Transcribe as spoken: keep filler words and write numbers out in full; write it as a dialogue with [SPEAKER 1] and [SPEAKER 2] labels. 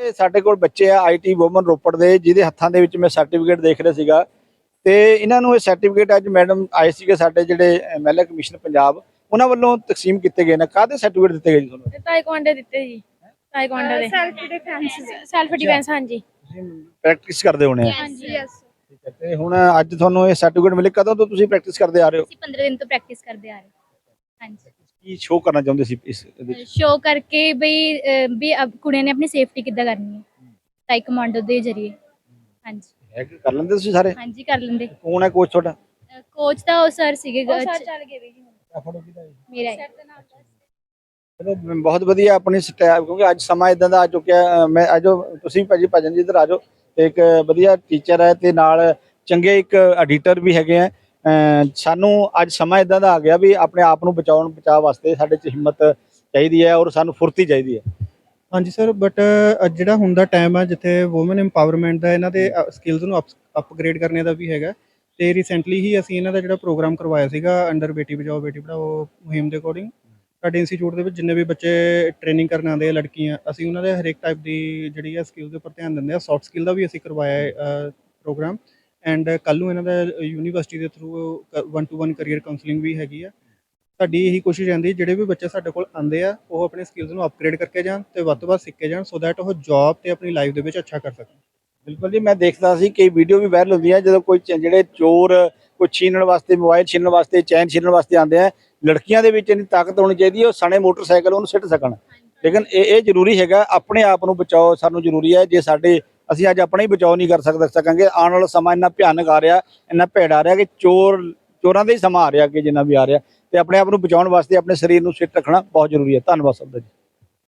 [SPEAKER 1] ਇਹ ਸਾਡੇ ਕੋਲ ਬੱਚੇ ਆ ਆਈਟੀ ਵੂਮਨ ਰੋਪੜ ਦੇ ਜਿਹਦੇ ਹੱਥਾਂ ਦੇ ਵਿੱਚ ਮੈਂ ਸਰਟੀਫਿਕੇਟ ਦੇਖ ਰਿਹਾ ਸੀਗਾ ਤੇ ਇਹਨਾਂ ਨੂੰ ਇਹ ਸਰਟੀਫਿਕੇਟ ਅੱਜ ਮੈਡਮ ਆਏ ਸੀਗੇ ਸਾਡੇ ਜਿਹੜੇ ਮਹਿਲਾ ਕਮਿਸ਼ਨ ਪੰਜਾਬ ਉਹਨਾਂ ਵੱਲੋਂ ਤਕਸੀਮ ਕੀਤੇ ਗਏ ਨੇ। ਕਾਹਦੇ ਸਰਟੀਫਿਕੇਟ ਦਿੱਤੇ ਗਏ ਜੀ ਤੁਹਾਨੂੰ?
[SPEAKER 2] ਤਾਈਕਵਾਂਡੋ ਦਿੱਤੇ ਜੀ, ਤਾਈਕਵਾਂਡੋ ਦੇ
[SPEAKER 3] ਸੈਲਫ ਡਿਫੈਂਸ
[SPEAKER 2] ਸੈਲਫ ਡਿਫੈਂਸ। ਹਾਂਜੀ
[SPEAKER 1] ਤੁਸੀਂ ਪ੍ਰੈਕਟਿਸ ਕਰਦੇ ਹੋਣੇ ਆ।
[SPEAKER 2] ਹਾਂਜੀ
[SPEAKER 3] ਯੈਸ।
[SPEAKER 1] ਠੀਕ ਹੈ ਤੇ ਹੁਣ ਅੱਜ ਤੁਹਾਨੂੰ ਇਹ ਸਰਟੀਫਿਕੇਟ ਮਿਲੇ, ਕਦੋਂ ਤੋਂ ਤੁਸੀਂ ਪ੍ਰੈਕਟਿਸ ਕਰਦੇ ਆ ਰਹੇ ਹੋ?
[SPEAKER 2] ਅਸੀਂ ਪੰਦਰਾਂ ਦਿਨ ਤੋਂ ਪ੍ਰੈਕਟਿਸ ਕਰਦੇ ਆ ਰਹੇ ਹਾਂ। ਹਾਂਜੀ
[SPEAKER 1] ਕੀ ਸ਼ੋਅ ਕਰਨਾ ਚਾਹੁੰਦੇ ਸੀ ਇਸ ਇਹਦੇ ਵਿੱਚ?
[SPEAKER 2] ਸ਼ੋ ਕਰਕੇ ਬਈ ਅਹ, ਵੀ ਅਬ ਕੁੜੀਆਂ ਨੇ ਆਪਣੀ ਸੇਫਟੀ ਕਿੱਦਾਂ ਕਰਨੀ ਹੈ ਤਾਈਕਵਾਂਡੋ ਦੇ ਜ਼ਰੀਏ। ਹਾਂਜੀ
[SPEAKER 1] ਹੈ ਕਿ ਕਰ ਲੈਂਦੇ ਤੁਸੀਂ ਸਾਰੇ?
[SPEAKER 2] ਹਾਂਜੀ ਕਰ ਲੈਂਦੇ।
[SPEAKER 1] ਕੌਣ ਹੈ ਕੋਚ ਤੁਹਾਡਾ?
[SPEAKER 2] ਕੋਚ ਤਾਂ ਉਹ ਸਰ ਸੀਗੇ,
[SPEAKER 3] ਸਰ ਚੱਲ ਗਏ ਵੀ
[SPEAKER 2] ਮੇਰਾ ਹੀ।
[SPEAKER 1] ਚਲੋ ਬਹੁਤ ਵਧੀਆ ਆਪਣੀ ਸਟੈਪ, ਕਿਉਂਕਿ ਅੱਜ ਸਮਾਂ ਇਦਾਂ ਦਾ ਆ ਚੁੱਕਿਆ। ਮੈਂ ਆਜੋ ਤੁਸੀਂ ਭਾਜੀ ਭਜਨ ਜੀ ਇੱਧਰ ਆਜੋ। ਇੱਕ ਵਧੀਆ ਟੀਚਰ ਹੈ ਤੇ ਨਾਲ ਚੰਗੇ ਇੱਕ ਐਡੀਟਰ ਵੀ ਹੈਗੇ ਆ। ਅਹ ਸਾਨੂੰ ਅੱਜ ਸਮਾਂ ਇਦਾਂ ਦਾ ਆ ਗਿਆ ਵੀ ਆਪਣੇ ਆਪ ਨੂੰ ਬਚਾਉਣ ਬਚਾਅ ਵਾਸਤੇ ਸਾਡੇ 'ਚ ਹਿੰਮਤ ਚਾਹੀਦੀ ਹੈ ਔਰ ਸਾਨੂੰ ਫੁਰਤੀ ਚਾਹੀਦੀ ਹੈ।
[SPEAKER 4] ਹਾਂਜੀ ਸਰ, ਬਟ ਜਿਹੜਾ ਹੁਣ ਦਾ ਟਾਈਮ ਆ ਜਿੱਥੇ ਵੂਮਨ ਇੰਪਾਵਰਮੈਂਟ ਦਾ ਇਹਨਾਂ ਦੇ ਸਕਿੱਲਸ ਨੂੰ ਅਪਗ੍ਰੇਡ ਕਰਨੇ ਦਾ ਵੀ ਹੈਗਾ। ਤੇ ਰੀਸੈਂਟਲੀ ਹੀ ਅਸੀਂ ਇਹਨਾਂ ਦਾ ਜਿਹੜਾ ਪ੍ਰੋਗਰਾਮ ਕਰਵਾਇਆ ਸੀਗਾ ਅੰਡਰ ਬੇਟੀ ਬਚਾਓ ਬੇਟੀ ਪੜ੍ਹਾਓ ਮੁਹਿੰਮ ਦੇ ਅਕੋਰਡਿੰਗ ਸਾਡੇ ਇੰਸਟੀਚਿਊਟ ਦੇ ਵਿੱਚ ਜਿੰਨੇ ਵੀ ਬੱਚੇ ਟ੍ਰੇਨਿੰਗ ਕਰਨ ਆਉਂਦੇ ਆ ਲੜਕੀਆਂ, ਅਸੀਂ ਉਹਨਾਂ ਦੇ ਹਰੇਕ ਟਾਈਪ ਦੀ ਜਿਹੜੀ ਆ ਸਕਿੱਲ ਦੇ ਉੱਪਰ ਧਿਆਨ ਦਿੰਦੇ ਆ। ਸੌਫਟ ਸਕਿੱਲ ਦਾ ਵੀ ਅਸੀਂ ਕਰਵਾਇਆ ਹੈ ਪ੍ਰੋਗਰਾਮ ਐਂਡ ਕੱਲ੍ਹ ਨੂੰ ਇਹਨਾਂ ਦਾ ਯੂਨੀਵਰਸਿਟੀ ਦੇ through one to one career counselling ਵੀ ਹੈਗੀ ਆ। ਸਾਡੀ ਇਹੀ ਕੋਸ਼ਿਸ਼ ਰਹਿੰਦੀ ਜਿਹੜੇ ਵੀ ਬੱਚੇ ਸਾਡੇ ਕੋਲ ਆਉਂਦੇ ਆ ਉਹ ਆਪਣੇ ਸਕਿੱਲਸ ਨੂੰ ਅਪਗ੍ਰੇਡ ਕਰਕੇ ਜਾਣ ਤੇ ਵੱਧ ਤੋਂ ਵੱਧ ਸਿੱਖ ਕੇ ਜਾਣ ਸੋ ਦੈਟ ਉਹ ਜੌਬ ਤੇ ਆਪਣੀ ਲਾਈਫ ਦੇ ਵਿੱਚ ਅੱਛਾ ਕਰ ਸਕਣ।
[SPEAKER 1] ਬਿਲਕੁਲ ਜੀ, ਮੈਂ ਦੇਖਦਾ ਸੀ ਕਈ ਵੀਡੀਓ ਵੀ ਵਾਇਰਲ ਹੁੰਦੀਆਂ ਜਦੋਂ ਕੋਈ ਚ- ਜਿਹੜੇ ਚੋਰ ਕੋਈ ਛੀਨਣ ਵਾਸਤੇ, ਮੋਬਾਈਲ ਛੀਨਣ ਵਾਸਤੇ, ਚੈਨ ਛੀਨਣ ਵਾਸਤੇ ਆਉਂਦੇ ਆ, ਲੜਕੀਆਂ ਦੇ ਵਿੱਚ ਇੰਨੀ ਤਾਕਤ ਹੋਣੀ ਚਾਹੀਦੀ ਹੈ ਉਹ ਸਣੇ ਮੋਟਰਸਾਈਕਲ ਉਹਨੂੰ ਸਿੱਟ ਸਕਣ। ਲੇਕਿਨ ਇਹ ਇਹ ਜ਼ਰੂਰੀ ਹੈਗਾ ਆਪਣੇ ਆਪ ਨੂੰ ਬਚਾਓ ਸਾਨੂੰ ਜ਼ਰੂਰੀ ਹੈ। ਜੇ ਸਾਡੇ ਅਸੀਂ ਅੱਜ ਆਪਣਾ ਹੀ ਬਚਾਓ ਨਹੀਂ ਕਰ ਸਕਦੇ ਸਕਾਂਗੇ, ਆਉਣ ਵਾਲਾ ਸਮਾਂ ਇੰਨਾ ਭਿਆਨਕ ਆ ਰਿਹਾ, ਇੰਨਾ ਭੈੜਾ ਆ ਰਿਹਾ ਕਿ ਚੋਰ ਚੋਰਾਂ ਦਾ ਹੀ ਸਮਾਂ ਆ ਰਿਹਾ ਅੱਗੇ ਜਿੰਨਾ ਵੀ ਆ ਰਿਹਾ, ਤੇ ਆਪਣੇ ਆਪ ਨੂੰ ਬਚਾਉਣ ਵਾਸਤੇ ਆਪਣੇ ਸਰੀਰ ਨੂੰ ਫਿੱਟ ਰੱਖਣਾ ਬਹੁਤ ਜ਼ਰੂਰੀ ਹੈ। ਧੰਨਵਾਦ ਸਭ ਦਾ ਜੀ।